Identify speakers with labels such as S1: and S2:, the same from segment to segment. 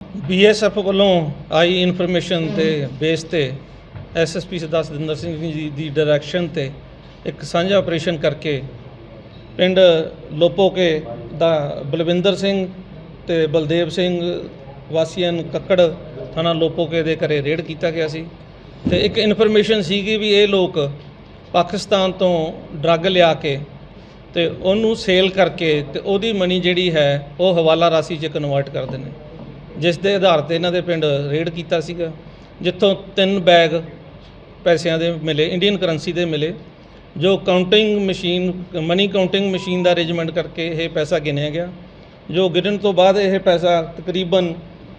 S1: BSF ਵੱਲੋਂ ਆਈ information ਤੇ ਬੇਸ ਤੇ SSP ਸਰਦਾਰ ਸਤਿੰਦਰ ਸਿੰਘ ਜੀ ਦੀ ਡਾਇਰੈਕਸ਼ਨ ਤੇ ਇੱਕ ਸਾਂਝਾ ਆਪਰੇਸ਼ਨ ਕਰਕੇ ਪਿੰਡ ਲੋਪੋਕੇ ਦਾ ਬਲਵਿੰਦਰ ਸਿੰਘ ਤੇ ਬਲਦੇਵ ਸਿੰਘ ਵਾਸੀਆਂ ਕੱਕੜ ਥਾਣਾ ਲੋਪੋਕੇ ਦੇ ਘਰੇ ਰੇਡ ਕੀਤਾ ਗਿਆ ਸੀ ਤੇ ਇੱਕ ਇਨਫੋਰਮੇਸ਼ਨ ਸੀਗੀ ਵੀ ਇਹ ਲੋਕ ਪਾਕਿਸਤਾਨ ਤੋਂ ਡਰੱਗ ਲਿਆ ਕੇ ਤੇ ਉਹਨੂੰ ਸੇਲ ਕਰਕੇ ਤੇ ਉਹਦੀ ਮਨੀ ਜਿਹੜੀ ਹੈ ਉਹ ਹਵਾਲਾ ਰਾਸ਼ੀ 'ਚ ਕਨਵਰਟ ਕਰਦੇ ਨੇ, ਜਿਸ ਦੇ ਆਧਾਰ ਤੇ ਇਹਨਾਂ ਦੇ ਪਿੰਡ ਰੇਡ ਕੀਤਾ ਸੀਗਾ, ਜਿੱਥੋਂ 3 ਬੈਗ ਪੈਸਿਆਂ ਦੇ ਮਿਲੇ, ਇੰਡੀਅਨ ਕਰੰਸੀ ਦੇ ਮਿਲੇ, ਜੋ counting machine money counting machine ਦਾ ਅਰੇਂਜਮੈਂਟ ਕਰਕੇ ਇਹ ਪੈਸਾ ਗਿਣਿਆ ਗਿਆ, ਜੋ ਗਿਣਨ ਤੋਂ ਬਾਅਦ ਇਹ ਪੈਸਾ ਤਕਰੀਬਨ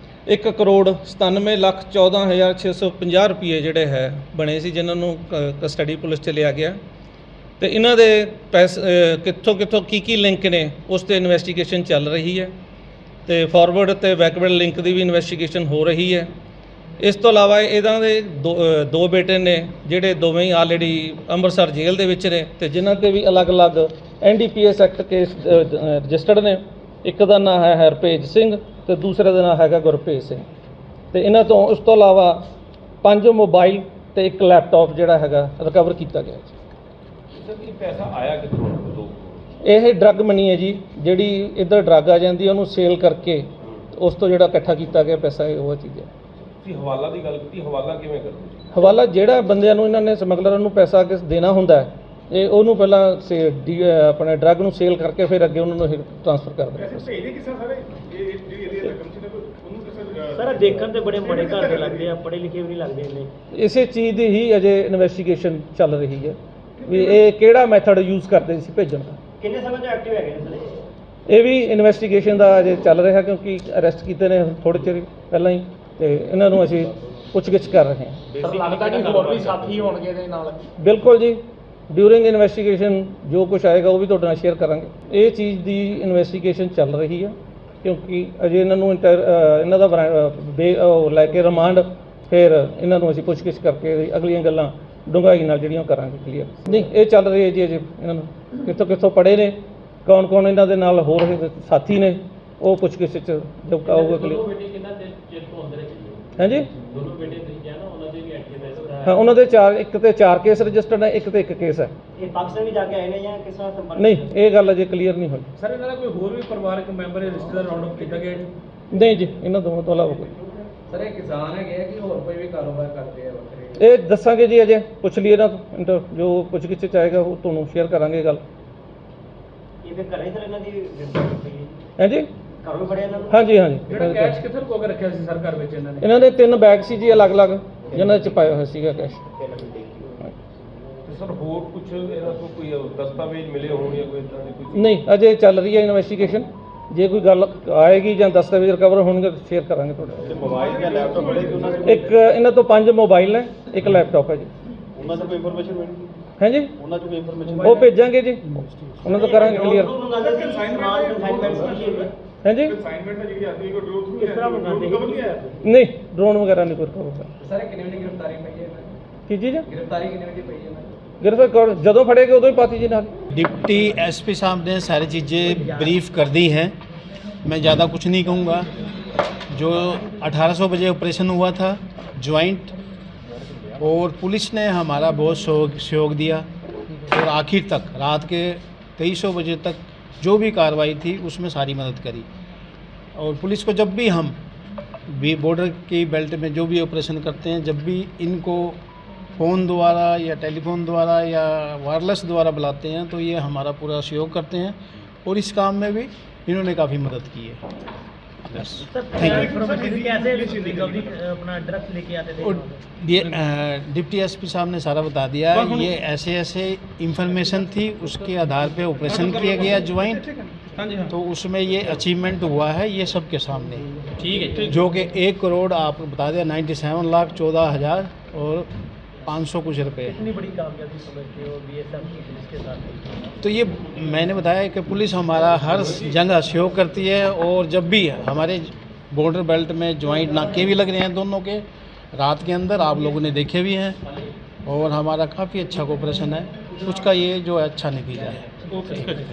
S1: 1,97,14,650 ਰੁਪਏ ਜਿਹੜੇ ਹੈ ਬਣੇ ਸੀ, ਜਿਨ੍ਹਾਂ ਨੂੰ ਕਸਟਡੀ ਪੁਲਿਸ 'ਚ ਲਿਆ ਗਿਆ ਤੇ ਇਹਨਾਂ ਦੇ ਪੈਸੇ ਕਿੱਥੋਂ ਕੀ ਲਿੰਕ ਨੇ ਉਸ 'ਤੇ ਇਨਵੈਸਟੀਗੇਸ਼ਨ ਚੱਲ ਰਹੀ ਹੈ ਤੇ ਫਾਰਵਰਡ ਤੇ ਬੈਕਵਰਡ ਲਿੰਕ ਦੀ ਵੀ ਇਨਵੈਸਟੀਗੇਸ਼ਨ ਹੋ ਰਹੀ ਹੈ। ਇਸ ਤੋਂ ਇਲਾਵਾ ਇਹਨਾਂ ਦੇ ਦੋ ਬੇਟੇ ਨੇ ਜਿਹੜੇ ਦੋਵੇਂ ਹੀ ਆਲਰੇਡੀ ਅੰਮ੍ਰਿਤਸਰ ਜੇਲ੍ਹ ਦੇ ਵਿੱਚ ਨੇ ਤੇ ਜਿਨ੍ਹਾਂ 'ਤੇ ਵੀ ਅਲੱਗ-ਅਲੱਗ NDPS ਐਕਟ ਕੇਸ ਰਜਿਸਟਰਡ ਨੇ। ਇੱਕ ਦਾ ਨਾਂ ਹੈ ਹਰਪੇਜ ਸਿੰਘ ਤੇ ਦੂਸਰੇ ਦਾ ਨਾਂ ਹੈਗਾ ਗੁਰਪ੍ਰੀਤ ਸਿੰਘ ਤੇ ਇਹਨਾਂ ਤੋਂ ਉਸ ਤੋਂ ਇਲਾਵਾ 5 ਮੋਬਾਈਲ ਤੇ ਇੱਕ ਲੈਪਟਾਪ ਜਿਹੜਾ ਹੈਗਾ ਰਿਕਵਰ ਕੀਤਾ ਗਿਆ।
S2: ਇਹ ਪੈਸਾ ਆਇਆ ਕਿੱਥੋਂ?
S1: ਇਹ ਡਰੱਗ ਮਨੀ ਹੈ ਜੀ, ਜਿਹੜੀ ਇੱਧਰ ਡਰੱਗ ਆ ਜਾਂਦੀ ਉਹਨੂੰ ਸੇਲ ਕਰਕੇ ਉਸ ਤੋਂ ਜਿਹੜਾ ਇਕੱਠਾ ਕੀਤਾ ਗਿਆ ਪੈਸਾ ਉਹ ਚੀਜ਼ ਹੈ।
S2: ਤੁਸੀਂ ਹਵਾਲਾ ਦੀ ਗੱਲ ਕੀਤੀ, ਹਵਾਲਾ ਕਿਵੇਂ ਕਰਦੇ?
S1: ਹਵਾਲਾ ਜਿਹੜਾ ਬੰਦਿਆਂ ਨੂੰ ਇਹਨਾਂ ਨੇ ਸਮਗਲਰਾਂ ਨੂੰ ਪੈਸਾ ਦੇਣਾ ਹੁੰਦਾ ਹੈ, ਇਹ ਉਹਨੂੰ ਪਹਿਲਾਂ ਆਪਣੇ ਡਰੱਗ ਨੂੰ ਸੇਲ ਕਰਕੇ ਫਿਰ ਅੱਗੇ ਉਹਨਾਂ ਨੂੰ ਟ੍ਰਾਂਸਫਰ ਕਰ ਦਿੰਦੇ।
S3: ਸਰ ਦੇਖਣ ਤੇ ਬੜੇ ਬੜੇ ਘਰ ਦੇ ਲੱਗਦੇ ਆ, ਪੜ੍ਹੇ ਲਿਖੇ ਵੀ ਨਹੀਂ ਲੱਗਦੇ ਇੰਨੇ।
S1: ਇਸੇ ਚੀਜ਼ ਦੀ ਹੀ ਅਜੇ ਇਨਵੈਸਟੀਗੇਸ਼ਨ ਚੱਲ ਰਹੀ ਹੈ ਵੀ ਇਹ ਕਿਹੜਾ ਮੈਥਡ ਯੂਜ਼ ਕਰਦੇ ਸੀ ਭੇਜਣ ਦਾ।
S3: ਕਿੰਨੇ ਸਮੇਂ ਤੋਂ ਐਕਟਿਵ ਹੈਗੇ ਨੇ ਸਰ?
S1: ਇਹ ਵੀ ਇਨਵੈਸਟੀਗੇਸ਼ਨ ਦਾ ਅਜੇ ਚੱਲ ਰਿਹਾ, ਕਿਉਂਕਿ ਅਰੈਸਟ ਕੀਤੇ ਨੇ ਥੋੜ੍ਹੇ ਚਿਰ ਪਹਿਲਾਂ ਹੀ ਤੇ ਇਹਨਾਂ ਨੂੰ ਅਸੀਂ ਪੁੱਛਗਿੱਛ ਕਰ ਰਹੇ ਹਾਂ।
S3: ਸਰ ਲੱਗਦਾ ਕਿ ਹੋਰ ਵੀ ਸਾਥੀ ਹੋਣਗੇ ਇਹਦੇ ਨਾਲ?
S1: ਬਿਲਕੁਲ ਜੀ, ਡਿਊਰਿੰਗ ਇਨਵੈਸਟੀਗੇਸ਼ਨ ਜੋ ਕੁਝ ਆਏਗਾ ਉਹ ਵੀ ਤੁਹਾਡੇ ਨਾਲ ਸ਼ੇਅਰ ਕਰਾਂਗੇ। ਇਹ ਚੀਜ਼ ਦੀ ਇਨਵੈਸਟੀਗੇਸ਼ਨ ਚੱਲ ਰਹੀ ਹੈ, ਕਿਉਂਕਿ ਅਜੇ ਇਹਨਾਂ ਨੂੰ ਇਹਨਾਂ ਦਾ ਲੈ ਕੇ ਰਿਮਾਂਡ ਫਿਰ ਇਹਨਾਂ ਨੂੰ ਅਸੀਂ ਪੁੱਛਗਿੱਛ ਕਰਕੇ ਅਗਲੀਆਂ ਗੱਲਾਂ ਡੂੰਘਾਈ ਨਾਲ ਜਿਹੜੀਆਂ ਕਰਾਂਗੇ ਕਲੀਅਰ। ਨਹੀਂ, ਇਹ ਚੱਲ ਰਹੀ ਹੈ ਜੀ ਅਜੇ ਇਹਨਾਂ ਨੂੰ ਕਿੱਥੋਂ ਪੜ੍ਹੇ ਨੇ, ਕੌਣ ਇਹਨਾਂ ਦੇ ਨਾਲ ਹੋਰ ਸਾਥੀ ਨੇ, ਉਹ ਪੁੱਛਗਿੱਛ 'ਚ ਜਦ ਆਊਗਾ ਕਲੀਅਰ। ਹਾਂਜੀ, ਹਾਂ, ਉਹਨਾਂ ਦੇ ਇੱਕ ਤੇ 4 ਕੇਸ ਰਜਿਸਟਰਡ ਹੈ, ਇੱਕ ਤੇ 1 ਕੇਸ ਹੈ।
S3: ਇਹ ਪਾਕਿਸਤਾਨ ਵੀ ਜਾ ਕੇ ਆਏ ਨੇ ਜਾਂ ਕਿਸ ਤਰ੍ਹਾਂ ਸੰਪਰਕ?
S1: ਨਹੀਂ, ਇਹ ਗੱਲ ਅਜੇ ਕਲੀਅਰ ਨਹੀਂ ਹੋਈ।
S4: ਸਰ ਇਹਨਾਂ ਦਾ ਕੋਈ ਹੋਰ ਵੀ ਪਰਿਵਾਰਕ ਮੈਂਬਰ ਰਿਸ਼ਤੇਦਾਰ ਰਾਉਂਡ ਅਪ ਕੀਤਾ ਗਿਆ ਜੀ?
S1: ਨਹੀਂ ਜੀ, ਇਹਨਾਂ ਦੋਵਾਂ ਤੋਂ ਇਲਾਵਾ ਕੋਈ।
S4: ਸਰ ਇਹ ਕਿਸਾਨ ਹੈਗੇ ਆ ਕਿ ਹੋਰ ਕੋਈ ਵੀ ਕਾਰੋਬਾਰ ਕਰਦੇ ਆ ਵੱਖਰੇ?
S1: ਇਹ ਦੱਸਾਂਗੇ ਜੀ, ਅਜੇ ਪੁੱਛ ਲਈਏ ਨਾ, ਜੋ ਪੁੱਛਗਿੱਛ 'ਚ ਆਏਗਾ ਉਹ ਤੁਹਾਨੂੰ ਸ਼ੇਅਰ ਕਰਾਂਗੇ ਗੱਲ।
S3: ਇਹ ਫਿਰ ਘਰੇ ਸਰ ਇਹਨਾਂ ਦੀ ਗ੍ਰਿਫਤਾਰੀ ਪਈ ਹੈ?
S1: ਹਾਂਜੀ,
S3: ਘਰੋਂ ਫੜਿਆ ਇਹਨਾਂ ਨੂੰ?
S1: ਹਾਂਜੀ।
S4: ਜਿਹੜਾ ਕੈਸ਼ ਕਿੱਥੇ ਲੁਕੋ ਕੇ ਰੱਖਿਆ ਸੀ ਸਰ ਘਰ ਵਿੱਚ ਇਹਨਾਂ ਨੇ?
S1: ਇਹਨਾਂ ਦੇ 3 ਬੈਗ ਸੀ ਜੀ ਅਲੱਗ-ਅਲੱਗ, ਜਿਨ੍ਹਾਂ 'ਚ ਪਾਇਆ ਹੋਇਆ ਸੀਗਾ ਕੈਸ਼।
S2: ਤੇ ਸਰ ਹੋਰ ਕੁਝ ਇਹਨਾਂ ਤੋਂ ਕੋਈ ਦਸਤਾਵੇਜ਼ ਮਿਲੇ ਹੋਣ ਜਾਂ ਕੋਈ ਇਦਾਂ ਦੀ ਕੋਈ?
S1: ਨਹੀਂ, ਅਜੇ ਚੱਲ ਰਹੀ ਹੈ ਇਨਵੈਸਟੀਗੇਸ਼ਨ। ਜੇ ਕੋਈ ਗੱਲ ਆਏਗੀ ਜਾਂ ਦਸਤਾਵੇਜ਼ ਰਿਕਵਰ ਹੋਣਗੇ ਤਾਂ ਸ਼ੇਅਰ ਕਰਾਂਗੇ ਤੁਹਾਡੇ।
S2: ਤੇ ਮੋਬਾਈਲ ਜਾਂ ਲੈਪਟਾਪ ਮਿਲੇ ਕਿ ਉਹਨਾਂ
S1: ਇੱਕ ਇਹਨਾਂ ਤੋਂ 5 ਮੋਬਾਈਲ ਨੇ, ਇੱਕ ਲੈਪਟਾਪ ਹੈ ਜੀ।
S2: ਉਹਨਾਂ ਤੋਂ ਕੋਈ ਇਨਫੋਰਮੇਸ਼ਨ ਮਿਲੀ?
S1: ਹੈ ਜੀ,
S2: ਉਹਨਾਂ ਤੋਂ ਕੋਈ ਇਨਫੋਰਮੇਸ਼ਨ
S1: ਉਹ ਭੇਜਾਂਗੇ ਜੀ, ਉਹਨਾਂ ਤੋਂ ਕਰਾਂਗੇ ਕਲੀਅਰ। ਹੈ ਜੀ,
S3: ਕਿਸ ਤਰ੍ਹਾਂ ਮੰਗਾਉਂਦੇ
S1: ਨਹੀਂ, ਡਰੋਨ ਵਗੈਰਾ ਨਹੀਂ ਕੋਈ ਰਿਕਵਰ ਹੋਇਆ।
S4: ਸਰ ਕਿੰਨੇ ਵਜੇ ਗ੍ਰਿਫਤਾਰੀ ਪਈ ਹੈ?
S1: ਕੀ ਚੀਜ਼ ਹੈ?
S4: ਗ੍ਰਿਫਤਾਰੀ ਕਿੰਨੇ ਵਜੇ ਪਈ ਹੈ?
S1: गिरफ्तार ਜਦੋਂ ਫੜੇਗੇ ਉਦੋਂ ਹੀ ਪਾਤੀ ਜੀ ਨਾਲ।
S5: डिप्टी एसपी साहब ने सारी चीज़ें ब्रीफ कर दी हैं, मैं ज़्यादा कुछ नहीं कहूँगा। जो 1800 बजे ऑपरेशन हुआ था ज्वाइंट, और पुलिस ने हमारा बहुत सहयोग दिया और आखिर तक रात के 2300 बजे तक जो भी कार्रवाई थी उसमें सारी मदद करी। और पुलिस को जब भी हम बॉर्डर की बेल्ट में जो भी ऑपरेशन करते हैं, जब भी इनको फ़ोन द्वारा या टेलीफोन द्वारा या वायरलेस द्वारा बुलाते हैं तो ये हमारा पूरा सहयोग करते हैं और इस काम में भी इन्होंने काफ़ी मदद की है। बस थैंक यू।
S3: अपना ड्रग्स लेके आते थे?
S5: और डिप्टी एसपी साहब ने सारा बता दिया, ये ऐसे इंफॉर्मेशन थी, उसके आधार पे ऑपरेशन किया गया ज्वाइंट, तो उसमें ये अचीवमेंट हुआ है, ये सबके सामने। ठीक है, जो कि 1 करोड़ आप बता दें 97,14,000 और 500 कुछ रुपये।
S3: इतनी बड़ी कामयाबी समझते हो BSF की पुलिस के साथ?
S5: तो ये मैंने बताया कि पुलिस हमारा हर जगह सहयोग करती है, और जब भी हमारे बॉर्डर बेल्ट में ज्वाइंट नाके भी लग रहे हैं दोनों के, रात के अंदर आप लोगों ने देखे भी हैं, और हमारा काफ़ी अच्छा कोऑपरेशन है, उसका ये जो अच्छा नतीजा है।